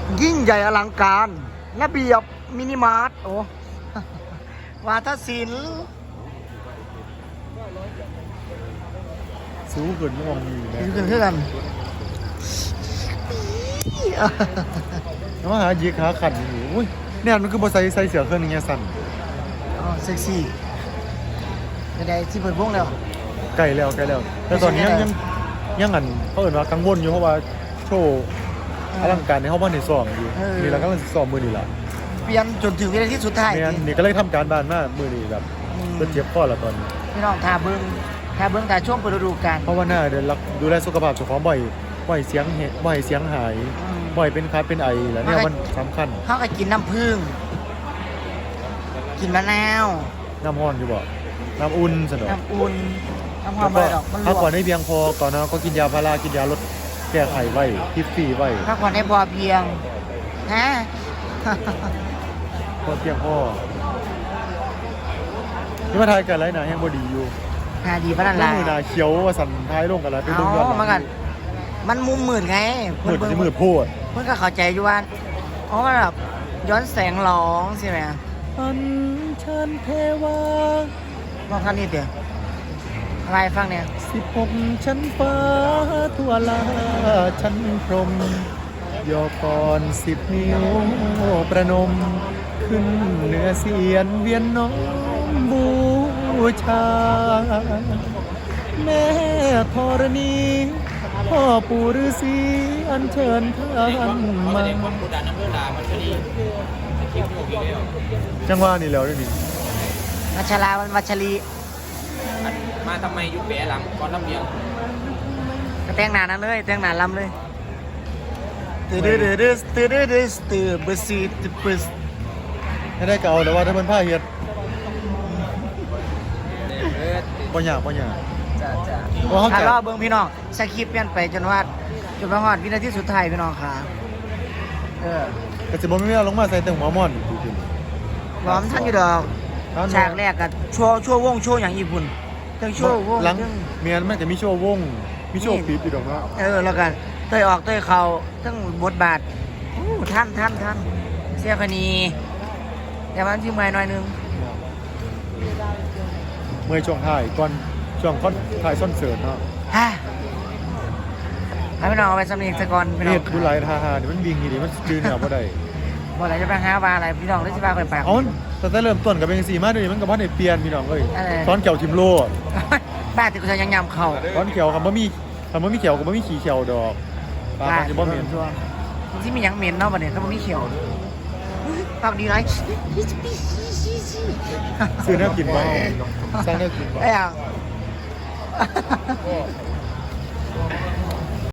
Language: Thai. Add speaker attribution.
Speaker 1: ยิ่งใหญ่อลังการระเบียบมินิมาร์ทโอ้ วาทศิลป์
Speaker 2: สูงขึ้นมองอยู่นะ
Speaker 1: ขึ้นกัน
Speaker 2: แล้วมาหายีขาขันอยู่อุ้ยเนี่ยมันคือบอใส่เสือเครื่องนึงเนี่ยสั่น
Speaker 1: อ๋อเซ็กซี่ไม่ได้ที่เปิดวงแล้ว
Speaker 2: ไกลแล้วแต่ตอนนี้ยังอันเขาเอ่ยว่ากังวลอยู่เพราะว่าโชว์อลังการในห้องบ้านในซ้อมอยู่นี่เราก็มันซ้อมมือนี่แหละ
Speaker 1: เปลี่ยนจนถึงวินาทีสุดท้าย
Speaker 2: เนี่ยนี่ก็เลยทำการบ้านมากมือนี่แบบก็เจ็บข้อละตอนนี้
Speaker 1: พี่น้องทาเบิ้งทาช่วงเปิดฤดูกาล
Speaker 2: เพราะว่าหน้าเดินรักดูแลสุขภาพเจ้าของบ่อยเสียงเหตุบ่อยเสียงหายบ่อยเป็นคัดเป็นไอแล้วเนี่ยมันสำคัญ
Speaker 1: เขาก็กินน้ำผึ้งกินมะนาว
Speaker 2: น้ำห้อนอยู่บ่น้ำอุ่นสนอ
Speaker 1: น้ำอุ่นน้ำหอ
Speaker 2: แล้
Speaker 1: ม
Speaker 2: ว
Speaker 1: ใบ
Speaker 2: ก็
Speaker 1: ดอกมันล
Speaker 2: พัก
Speaker 1: ว
Speaker 2: ผ่อน
Speaker 1: ก
Speaker 2: ให้เพียงพอก่อนนะก็กินยาพารากินยาลดแก้ไขไว้ทิฟฟี่ไว้
Speaker 1: พักผ่อนให้พอเพียงฮะ
Speaker 2: พอเพียงพอนี่มาทายกันไรนะยังบ่ดีอยู่
Speaker 1: หาดีพนัน
Speaker 2: ต้
Speaker 1: ลา
Speaker 2: มือหนาเขียวว่าสั่นท้ายลงกันแล้วไป
Speaker 1: เอา
Speaker 2: เบิ่งย้อนหลัง
Speaker 1: มากันมันมุมหมื่นไง
Speaker 2: มืดจะมืดโพด
Speaker 1: เพื่อนก็เข้าใจอยู่ว่าอ๋อมันแบบย้อนแสงร้องใช่ไหม
Speaker 2: อันเชิญเทวา
Speaker 1: ลองท่านนี้เดี๋ยวอะไรฟังเนี่ย
Speaker 2: 16 ชั้นฟ้าทั่วลาชั้นพรหมย่อก่อน10 นิ้วประนม ขึ้นเหนือเสียนเวียนน้อมบูชา แม่ธรณีพ่อปู่ฤาษีอัญเชิญท่านมาจังหวะนี่แล้วด้วยนี่
Speaker 1: วัชราวันวัชรี
Speaker 3: มาทำไมยุคแปะหลังก่อนลำเลียง
Speaker 1: ก็แต่งหน้านั่นเลยแต่งหน้าลำเลยตื่นตื่นตื่นตื่นตื่นตื่นเบอร์ซีตื่นเบอร์
Speaker 2: ให้ได้เก่าแต่ว่าถ้ามันผ้าเฮ็ด
Speaker 3: เออ
Speaker 2: บ่ยาก
Speaker 1: จ้าจ้า
Speaker 2: เพราะเขา
Speaker 1: ถ้า
Speaker 2: จะ
Speaker 1: รอเบิ้งพี่น้องสคริปต์เปลี่ยนไปจนว่าจนมาฮอดวินาทีสุดท้ายพี่น้องค่ะเออ
Speaker 2: ก็จะบ่มีเวลาลงมาใส่แต่หัวม่อนจริง
Speaker 1: พร้อมท่านอยู่ดอก
Speaker 2: ๆท่าน
Speaker 1: ฉากแรกกับโชว์วงโชว์อย่างญี่ปุ่นทั้งโชว์วง
Speaker 2: หลัง
Speaker 1: ทั้ง
Speaker 2: เมียนมันจะมีโชว์วงมีโชว์ปี๊บอยู่ดอกเนาะ
Speaker 1: แล้วกันเตยออกเตยเขาทั้งบทบาทอู้ท่านเสียคณีแต่มันที่เมื่อยหน่อยนึง
Speaker 2: เมื่อช่วงท้ายก่อนช่วงคอนท้ายคอนเสิร์ตเนาะ
Speaker 1: ฮะให้พี่น้องเอาไปสำเนียงสะกอนพี่น้อ
Speaker 2: เฮ็
Speaker 1: ง
Speaker 2: ดดูหลายท่านี่มันวิ่งนี่มันจื้อเนี่ยบ่ได้
Speaker 1: บ่อะไรจะไปหาว่าอะไรพี่น้องได้สิว่าไปปาก
Speaker 2: เอาตั้งแต่เริ่มต้นก็เป็นจังซี่มาเดี๋ยวนี้มันก็บ่ได้เปลี่ยนพี่น้องเอ้ย
Speaker 1: อะไร
Speaker 2: ตอนเกี่ยวทิมโล
Speaker 1: บ้านที่กูจะยังยำเข่า
Speaker 2: ตอนเกี่ยวคำบ่มีเกี่ยวก็บ่มีขี้เขียวดอกปลามันจะบ่เหม็น
Speaker 1: ตัวที่มีหยังเหม็นเนาะบัดนี้เขาบ่มีเขียวปากดีไร
Speaker 2: ซื้อแนวกินบ่สร้างแนวกินบ่
Speaker 1: ไอ้ยัง